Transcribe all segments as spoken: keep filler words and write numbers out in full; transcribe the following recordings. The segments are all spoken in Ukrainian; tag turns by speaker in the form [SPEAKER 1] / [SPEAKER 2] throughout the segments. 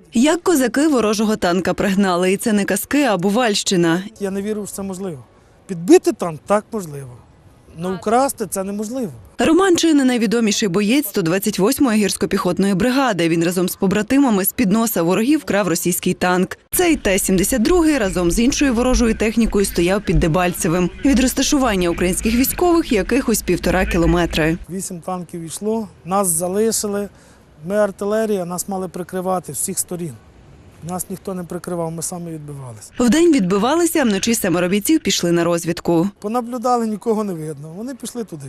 [SPEAKER 1] Як козаки ворожого танка пригнали, і це не казки, а Бувальщина.
[SPEAKER 2] Я не вірю, що це можливо. Підбити танк – так можливо. Но украсти – це неможливо.
[SPEAKER 1] Роман чи не найвідоміший боєць сто двадцять восьмої гірсько-піхотної бригади. Він разом з побратимами з-під носа ворогів крав російський танк. Цей Т сімдесят два разом з іншою ворожою технікою стояв під Дебальцевим. Від розташування українських військових якихось півтора кілометри.
[SPEAKER 2] Вісім танків йшло, нас залишили. Ми артилерія, нас мали прикривати з всіх сторін. Нас ніхто не прикривав, ми самі відбивалися.
[SPEAKER 1] Вдень відбивалися, а вночі семеро бійців пішли на розвідку.
[SPEAKER 2] Понаблюдали, нікого не видно. Вони пішли туди.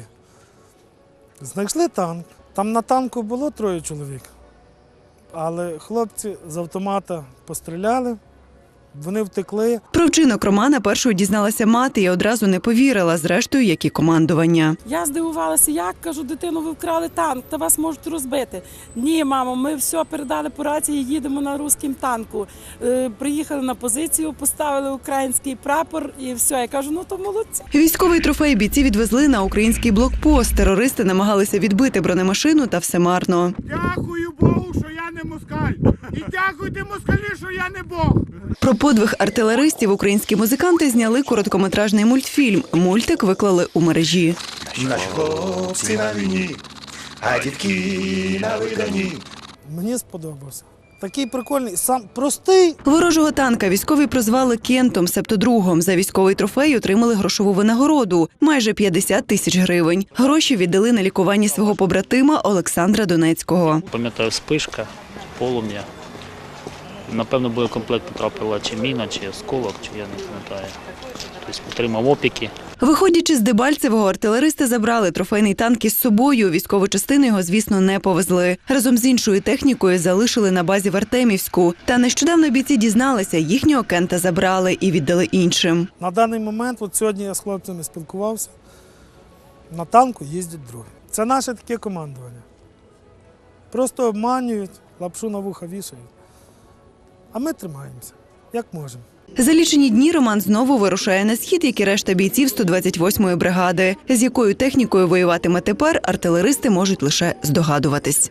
[SPEAKER 2] Знайшли танк. Там на танку було троє чоловік. Але хлопці з автомата постріляли, вони втекли.
[SPEAKER 1] Про вчинок Романа першою дізналася мати і одразу не повірила, зрештою, як і командування.
[SPEAKER 3] Я здивувалася, як, кажу, дитину, ви вкрали танк, та вас можуть розбити. Ні, мамо, ми все передали по рації, їдемо на руському танку. Е, приїхали на позицію, поставили український прапор і все. Я кажу, ну то молодці.
[SPEAKER 1] Військовий трофей бійці відвезли на український блокпост. Терористи намагалися відбити бронемашину, та все марно.
[SPEAKER 4] Дякую Богу, що я не москаль. І дякуйте москалі, що я не Бог.
[SPEAKER 1] Про подвиг артилеристів українські музиканти зняли короткометражний мультфільм. Мультик виклали у мережі.
[SPEAKER 5] Наші хлопці на війні, а дітки на виданні.
[SPEAKER 2] Мені сподобався. Такий прикольний, сам простий.
[SPEAKER 1] Ворожого танка військові прозвали Кентом, себто другом. За військовий трофей отримали грошову винагороду – майже п'ятдесят тисяч гривень. Гроші віддали на лікування свого побратима Олександра Донецького.
[SPEAKER 6] Пам'ятаю, спишка, полум'я. Напевно, боєкомплект потрапила чи міна, чи осколок, чи я не пам'ятаю. Тобто отримав опіки.
[SPEAKER 1] Виходячи з Дебальцевого, артилеристи забрали трофейний танк із собою. Військову частину його, звісно, не повезли. Разом з іншою технікою залишили на базі в Артемівську. Та нещодавно бійці дізналися, їхнього Кента забрали і віддали іншим.
[SPEAKER 2] На даний момент, от сьогодні я з хлопцями спілкувався, на танку їздять другі. Це наше таке командування. Просто обманюють, лапшу на вуха вішають. А ми тримаємося, як можемо.
[SPEAKER 1] За лічені дні Роман знову вирушає на схід, як і решта бійців сто двадцять восьмої бригади. З якою технікою воюватиме тепер, артилеристи можуть лише здогадуватись.